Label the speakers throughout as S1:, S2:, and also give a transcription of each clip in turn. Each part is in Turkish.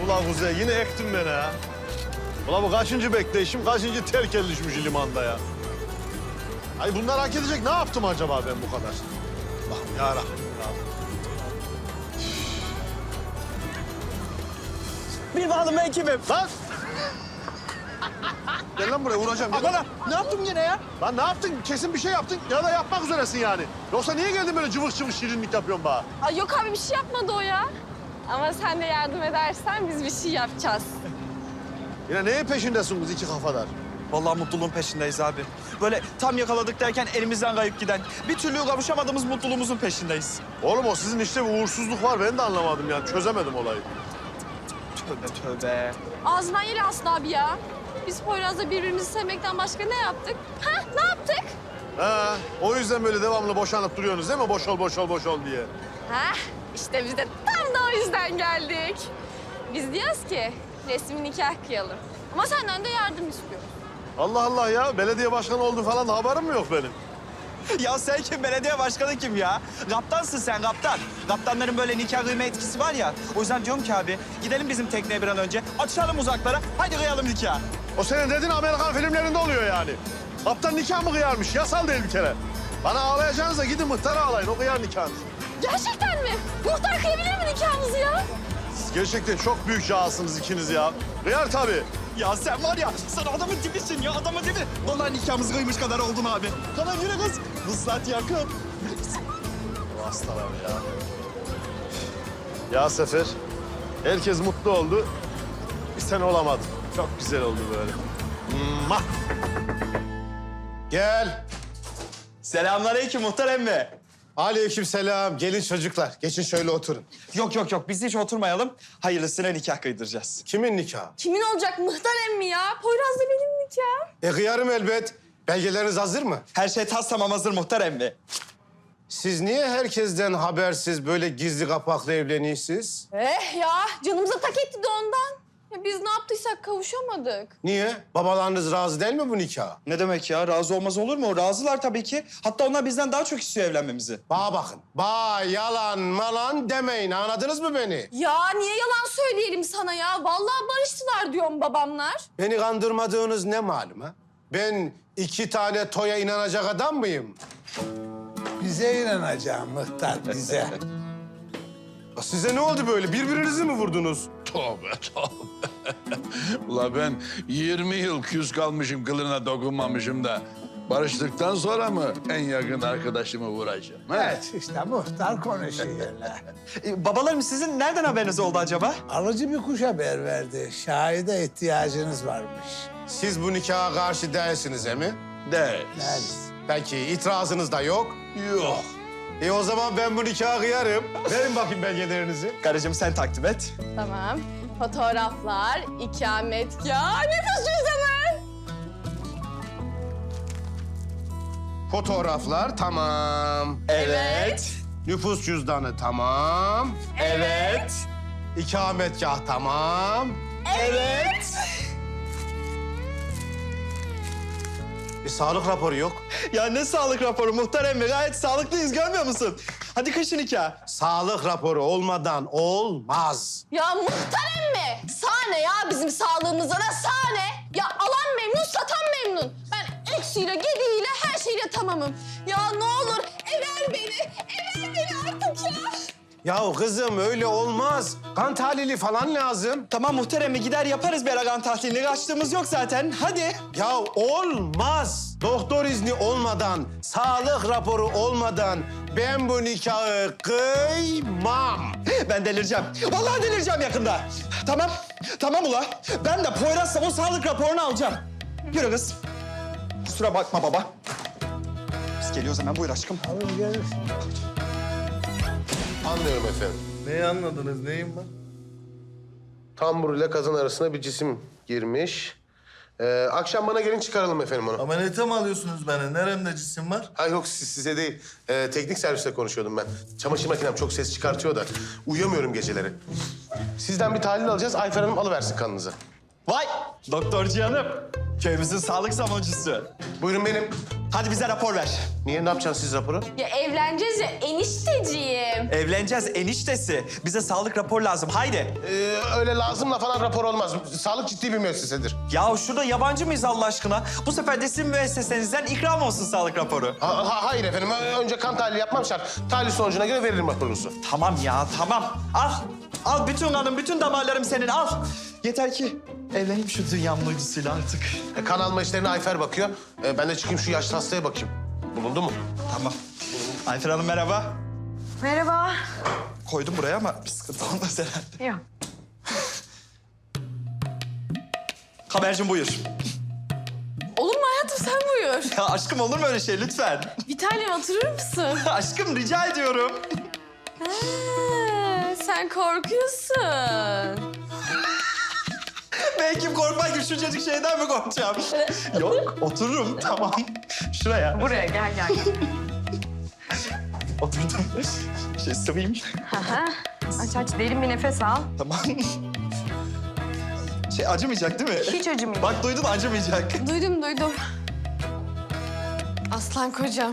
S1: Vallahi Kuzey yine ektin beni ha. Ulan bu kaçıncı bekleyişim, kaçıncı terk edilişmiş limanda ya. Ay bunlar hak edecek ne yaptım acaba ben bu kadar? Allah'ım yarabbim ya.
S2: Bir bakalım ben kimim?
S1: Lan! Gel lan buraya vuracağım. Gel.
S2: Bana ne yaptım yine ya?
S1: Lan ne yaptın? Kesin bir şey yaptın ya da yapmak üzeresin yani. Yoksa niye geldin böyle cıvık cıvık şirinlik yapıyorsun bana?
S3: Ay yok abi bir şey yapmadı o ya. Ama sen de yardım edersen biz bir şey yapacağız.
S1: Yine neyin peşindesiniz iki kafadar?
S2: Vallahi mutluluğun peşindeyiz abi. Böyle tam yakaladık derken elimizden kayıp giden, bir türlü kavuşamadığımız mutluluğumuzun peşindeyiz.
S1: Oğlum o sizin işte bir uğursuzluk var. Ben de anlamadım yani. Çözemedim olayı.
S2: Tövbe tövbe.
S3: Ağzından yeri aslında abi ya. Biz Poyraz'la birbirimizi sevmekten başka ne yaptık? Ha ne yaptık?
S1: Ha, o yüzden böyle devamlı boşanıp duruyorsunuz değil mi? Boş ol, boş ol, boş ol diye.
S3: Ha işte biz de tam da o yüzden geldik. Biz diyoruz ki resmi nikah kıyalım. Ama senden de yardım istiyoruz.
S1: Allah Allah ya. Belediye başkanı oldun falan da haberim mi yok benim?
S2: Ya sen kim? Belediye başkanı kim ya? Kaptansın sen, kaptan. Kaptanların böyle nikah kıyma etkisi var ya. O yüzden diyorum ki abi, gidelim bizim tekneye bir an önce. Açalım uzaklara, hadi kıyalım nikah.
S1: O senin dediğin Amerikan filmlerinde oluyor yani. Kaptan nikah mı kıyarmış? Yasal değil bir kere. Bana ağlayacağınıza gidin muhtara ağlayın. O kıyar nikahınızı.
S3: Gerçekten mi? Muhtar kıyabilir mi nikahımızı ya?
S1: Siz gerçekten çok büyük cahasınız ikiniz ya. Kıyar tabii.
S2: Ya sen var ya, sen adamın dibisin ya, adamın dibi. Vallahi nikahımızı kıymış kadar oldun abi. Tamam yürü kız. Vuslat yakın.
S1: Bu hastalar ya. Ya Sefer, herkes mutlu oldu. Bir sen olamadın. Çok güzel oldu böyle. Mwah!
S4: Gel.
S2: Selamünaleyküm muhtar emmi.
S4: Aleykümselam. Gelin çocuklar. Geçin şöyle oturun.
S2: Yok biz hiç oturmayalım. Hayırlısına nikah kıydıracağız.
S4: Kimin nikahı?
S3: Kimin olacak muhtar emmi ya? Poyraz'la benim nikahım.
S4: Kıyarım elbet. Belgeleriniz hazır mı?
S2: Her şey tas tamam hazır muhtar emmi.
S4: Siz niye herkesten habersiz böyle gizli kapaklı evleniyorsunuz?
S3: Ya canımıza tak etti de ondan. Ya biz ne yaptıysak kavuşamadık.
S4: Niye? Babalarınız razı değil mi bu nikaha?
S2: Ne demek ya? Razı olmaz olur mu? Razılar tabii ki. Hatta onlar bizden daha çok istiyor evlenmemizi.
S4: Bana bakın. Yalan malan demeyin. Anladınız mı beni?
S3: Ya niye yalan söyleyelim sana ya? Vallahi barıştılar diyorum babamlar.
S4: Beni kandırmadığınız ne malum ha? Ben 2 tane toya inanacak adam mıyım?
S5: Bize inanacağım muhtar, bize.
S4: Ya size ne oldu böyle? Birbirinizi mi vurdunuz?
S6: Tövbe tövbe. Ula ben 20 yıl küs kalmışım, kılına dokunmamışım da... ...barıştıktan sonra mı en yakın arkadaşımı vuracağım? He?
S5: Evet, işte muhtar konuşuyor.
S2: Babalarım sizin nereden haberiniz oldu acaba?
S5: Alıcı bir kuş haber verdi. Şahide ihtiyacınız varmış.
S4: Siz bu nikaha karşı değilsiniz mi?
S6: Değil.
S4: Peki itirazınız da yok.
S6: Yok.
S4: O zaman ben bu nikahı kıyarım. Verin bakayım belgelerinizi.
S2: Karıcığım sen takdim et.
S3: Tamam. Fotoğraflar, ikametgah, nüfus cüzdanı.
S4: Fotoğraflar tamam.
S3: Evet.
S4: Nüfus cüzdanı tamam.
S2: Evet.
S4: İkametgah tamam.
S2: Evet.
S4: Bir sağlık raporu yok.
S2: Ya ne sağlık raporu muhtar emmi? Gayet sağlıklıyız görmüyor musun? Hadi kışın nikah.
S4: Sağlık raporu olmadan olmaz.
S3: Ya muhtar emmi, sahne ya bizim sağlığımıza da sahne. Ya alan memnun, satan memnun. Ben eksiyle, gediğiyle, her şeyle tamamım. Ya ne olur ever beni artık ya.
S4: Ya kızım öyle olmaz. Kan tahlili falan lazım.
S2: Tamam muhtar emmi gider yaparız bir aragan tahlilini. Kaçtığımız yok zaten. Hadi.
S4: Ya olmaz. Doktor izni olmadan, sağlık raporu olmadan ben bu nikahı kıymam.
S2: Ben delireceğim. Vallahi delireceğim yakında. Tamam. Tamam ula. Ben de Poyraz'la o sağlık raporunu alacağım. Yürü kız. Kusura bakma baba. Biz geliyoruz hemen buyur aşkım.
S5: Alın gelir.
S4: Anlıyorum efendim.
S1: Neyi anladınız? Neyim ben?
S4: Tambur ile kazan arasına bir cisim girmiş. Akşam bana gelin çıkaralım efendim onu.
S7: Ameliyata mı alıyorsunuz beni? Neremde cisim var?
S4: Ha yok size değil. Teknik serviste konuşuyordum ben. Çamaşır makinem çok ses çıkartıyor da uyuyamıyorum geceleri. Sizden bir tahlil alacağız. Ayfer Hanım alıversin kanınızı.
S2: Vay! Doktor Cihan'ım. Köyümüzün sağlık savunucusu.
S4: Buyurun benim.
S2: Hadi bize rapor ver.
S4: Niye, ne yapacaksınız siz raporu?
S3: Ya evleneceğiz ya enişteciğim.
S2: Evleneceğiz eniştesi. Bize sağlık rapor lazım. Haydi.
S4: Öyle lazımla falan rapor olmaz. Sağlık ciddi bir müessesedir.
S2: Ya şurada yabancı mıyız Allah aşkına? Bu sefer de sizin müessesenizden ikram olsun sağlık raporu.
S4: Hayır efendim. Önce kan tahlili yapmam şart. Tahlil sonucuna göre veririm raporunuzu.
S2: Tamam ya tamam. Al. Al bütün kanım, bütün damarlarım senin al. Yeter ki evleneyim şu dünyanın uydusuyla artık.
S4: Kan alma işlerine Ayfer bakıyor. Ben de çıkayım şu yaşlı hastaya bakayım. Bulundu mu?
S2: Tamam. Ayfer Hanım merhaba.
S8: Merhaba.
S2: Koydum buraya ama bir sıkıntı olmaz herhalde.
S8: Yok.
S2: Kamercim buyur.
S3: Olur mu hayatım sen buyur.
S2: Ya aşkım olur mu öyle şey lütfen?
S3: Bir tanem oturur musun?
S2: Aşkım rica ediyorum.
S3: Ha, sen korkuyorsun.
S2: Belki korkmak gibi şuncacık şeyden mi korkacağım? Yok otururum tamam. Şuraya.
S8: Buraya gel.
S2: Oturdum. Şey sıvayım.
S8: Aha. Aç derin bir nefes al.
S2: Tamam. Şey acımayacak değil mi?
S8: Hiç acımayacak.
S2: Bak duydun acımayacak.
S3: Duydum. Aslan kocam.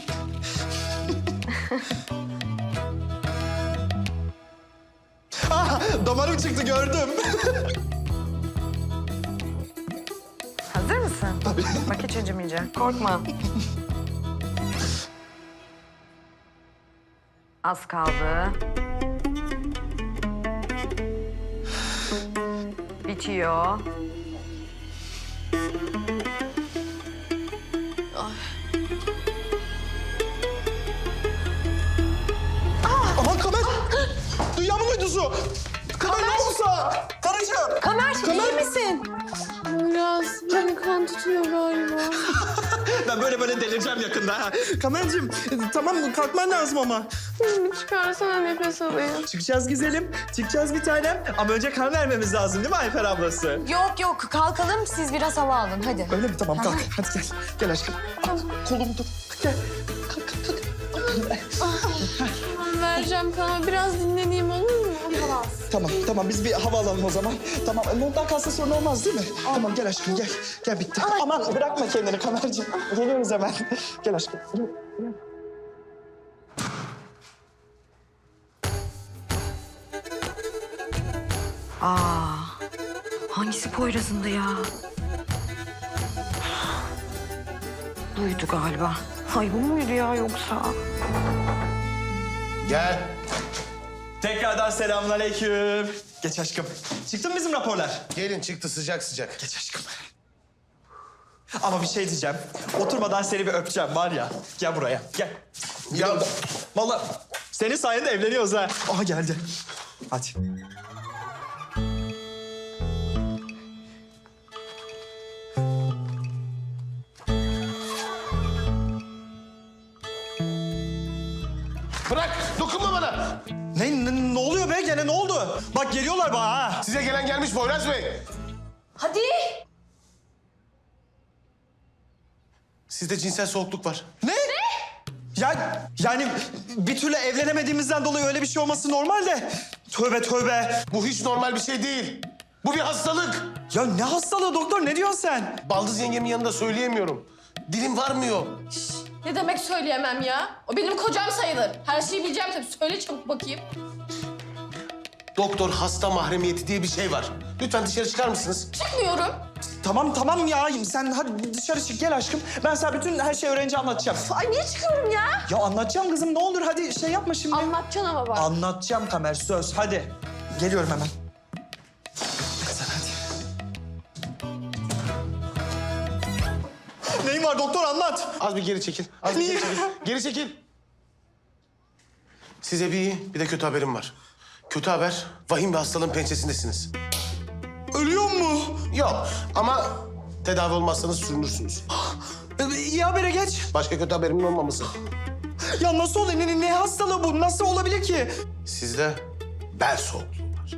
S2: Ah, damarım çıktı gördüm.
S8: Hazır mısın? Tabii. Bak hiç acımayacak. Korkma. Az kaldı. Bitiyor.
S2: Aman Kamer. Dünyamın uydusu. Kamer ne olursa. Karıcığım.
S8: Kamer, iyi misin?
S3: Biraz beni kan tutuyor galiba.
S2: Ben böyle delireceğim yakında ha. Kamercığım tamam kalkman lazım ama.
S3: Çıkarsana nefes alayım.
S2: Çıkacağız güzelim. Çıkacağız bir tanem. Ama önce kan vermemiz lazım değil mi Ayfer ablası?
S8: Yok kalkalım siz biraz hava alın hadi.
S2: Öyle mi? Tamam kalk. Hadi gel. Gel aşkım. Al, kolumu tut. Gel.
S3: Ben vereceğim kana biraz dinleneyim olur mu?
S2: Tamam biz bir hava alalım o zaman. Tamam ondan kalsa sorun olmaz değil mi? Tamam gel aşkım gel. Gel bitti. Aman bırakma kendini Kamerciğim. Geliyoruz hemen. Gel aşkım.
S8: Hangisi Poyraz'ındı ya? Duydu galiba. Ay bu muydu ya yoksa?
S4: Gel.
S2: Tekrardan selamünaleyküm. Geç aşkım. Çıktı mı bizim raporlar?
S4: Gelin çıktı sıcak.
S2: Geç aşkım. Ama bir şey diyeceğim. Oturmadan seni bir öpeceğim var ya. Gel buraya. Gel.
S4: Ya
S2: Vallahi senin sayende evleniyoruz ha. Aha geldi. Hadi.
S4: bırak, dokunma bana.
S2: Ne oluyor be gene ne oldu? Bak geliyorlar bana ha.
S4: Size gelen gelmiş Poyraz Bey.
S3: Hadi.
S4: Sizde cinsel soğukluk var.
S2: Ne? Yani bir türlü evlenemediğimizden dolayı öyle bir şey olması normal de. Tövbe.
S4: Bu hiç normal bir şey değil. Bu bir hastalık.
S2: Ya ne hastalığı doktor ne diyorsun sen?
S4: Baldız yengemin yanında söyleyemiyorum. Dilim varmıyor.
S3: Ne demek söyleyemem ya? O benim kocam sayılır. Her şeyi bileceğim tabii. Söyle çabuk bakayım.
S4: Doktor hasta mahremiyeti diye bir şey var. Lütfen dışarı çıkar mısınız?
S3: Çıkmıyorum.
S2: Tamam ya sen hadi dışarı çık gel aşkım. Ben sana bütün her şeyi öğrenince anlatacağım.
S3: Ay niye çıkıyorum ya?
S2: Ya anlatacağım kızım ne olur hadi şey yapma şimdi.
S3: Anlatacaksın ama bak.
S2: Anlatacağım Kamer söz hadi. Geliyorum hemen. Sen hadi. Neyin var doktor anlat.
S4: Az bir geri çekil. Az bir
S2: Niye?
S4: geri çekil. Geri çekil. Size bir iyi, bir de kötü haberim var. Kötü haber, vahim bir hastalığın pençesindesiniz.
S2: Ölüyor mu?
S4: Yok ama tedavi olmazsanız sürünürsünüz.
S2: İyi habere geç.
S4: Başka kötü haberimin olmaması.
S2: Ya nasıl oluyor? Ne hastalığı bu? Nasıl olabilir ki?
S4: Sizde bel soğukluğu var.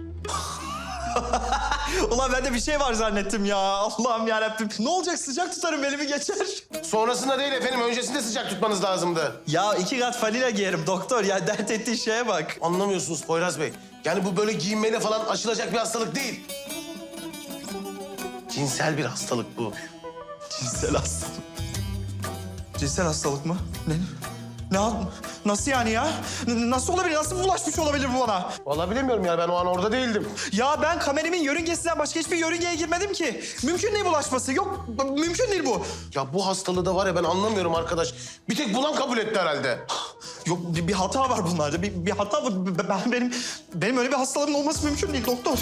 S2: Ulan ben de bir şey var zannettim ya. Allah'ım yarabbim. Ne olacak sıcak tutarım elimi geçer.
S4: Sonrasında değil efendim, öncesinde sıcak tutmanız lazımdı.
S2: Ya 2 kat fanila giyerim doktor. Ya dert ettiğin şeye bak.
S4: Anlamıyorsunuz Poyraz Bey. Yani bu böyle giyinmeyle falan aşılacak bir hastalık değil. Cinsel bir hastalık bu.
S2: Cinsel hastalık. Cinsel hastalık mı? Nasıl yani ya? Nasıl olabilir? Nasıl bulaşmış olabilir bu bana?
S4: Vallahi bilemiyorum ya, ben o an orada değildim.
S2: Ya ben kamerimin yörüngesinden başka hiçbir yörüngeye girmedim ki. Mümkün değil bulaşması. Yok, mümkün değil bu.
S4: Ya bu hastalığı da var ya, ben anlamıyorum arkadaş. Bir tek bulan kabul etti herhalde.
S2: Yok, bir hata var bunlarda. Bir hata var. Benim öyle bir hastalığım olması mümkün değil doktor.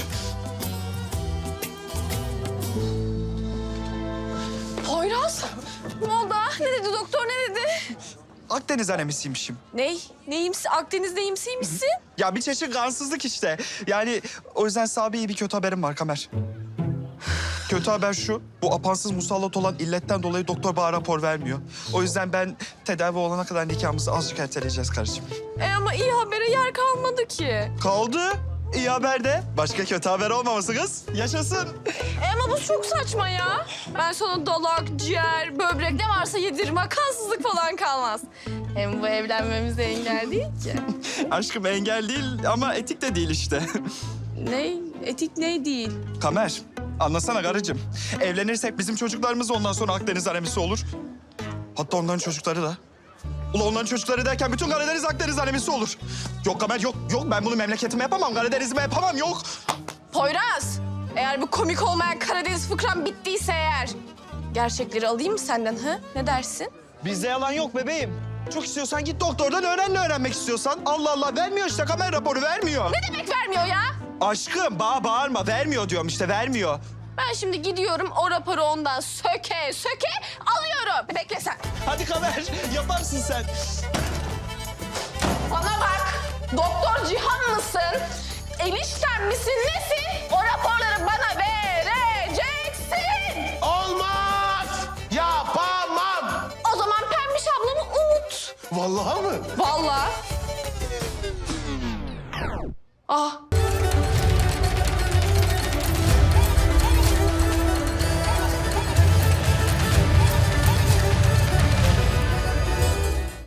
S3: Poyraz, ne oldu? Ne dedi doktor, ne dedi?
S2: Akdeniz anemisiymişim.
S3: Neyimsi? Akdeniz neyimsiymişsin?
S2: Ya bir çeşit kansızlık işte. Yani o yüzden sana iyi bir kötü haberim var Kamer. Kötü haber şu, bu apansız musallat olan illetten dolayı doktor bana rapor vermiyor. O yüzden ben tedavi olana kadar nikahımızı azıcık erteleyeceğiz karıcığım.
S3: Ama iyi habere yer kalmadı ki.
S2: Kaldı. İyi haber de. Başka kötü haber olmaması kız. Yaşasın.
S3: Ama bu çok saçma ya. Ben sana dalak, ciğer, böbrek ne varsa yediririm. Kansızlık falan kalmaz. Hem bu evlenmemize engel değil ki.
S2: Aşkım engel değil ama etik de değil işte.
S3: Ne? Etik ne değil?
S2: Kamer, anlasana karıcığım. Evlenirsek bizim çocuklarımız ondan sonra Akdeniz anemisi olur. Hatta onların çocukları da. Ula onların çocukları derken bütün Karadeniz Akdeniz anemisi olur. Yok Kamer, yok. Ben bunu memleketime yapamam, Karadeniz'ime yapamam, yok.
S3: Poyraz, eğer bu komik olmayan Karadeniz fıkram bittiyse eğer... gerçekleri alayım mı senden ha? Ne dersin?
S2: Bizde yalan yok bebeğim. Çok istiyorsan git doktordan öğren ne öğrenmek istiyorsan. Allah Allah, vermiyor işte Kamer raporu, vermiyor.
S3: Ne demek vermiyor ya?
S2: Aşkım, bağırma. Vermiyor diyorum işte, vermiyor.
S3: Ben şimdi gidiyorum o raporu ondan söke alıyorum. Bekle sen.
S2: Hadi Kamer, yaparsın sen.
S3: Bana bak, Doktor Cihan mısın? Enişten misin, nesin? O raporları bana vereceksin.
S4: Olmaz! Yapamam!
S3: O zaman Pembiş ablamı unut.
S4: Vallahi mı?
S3: Vallahi. Ah,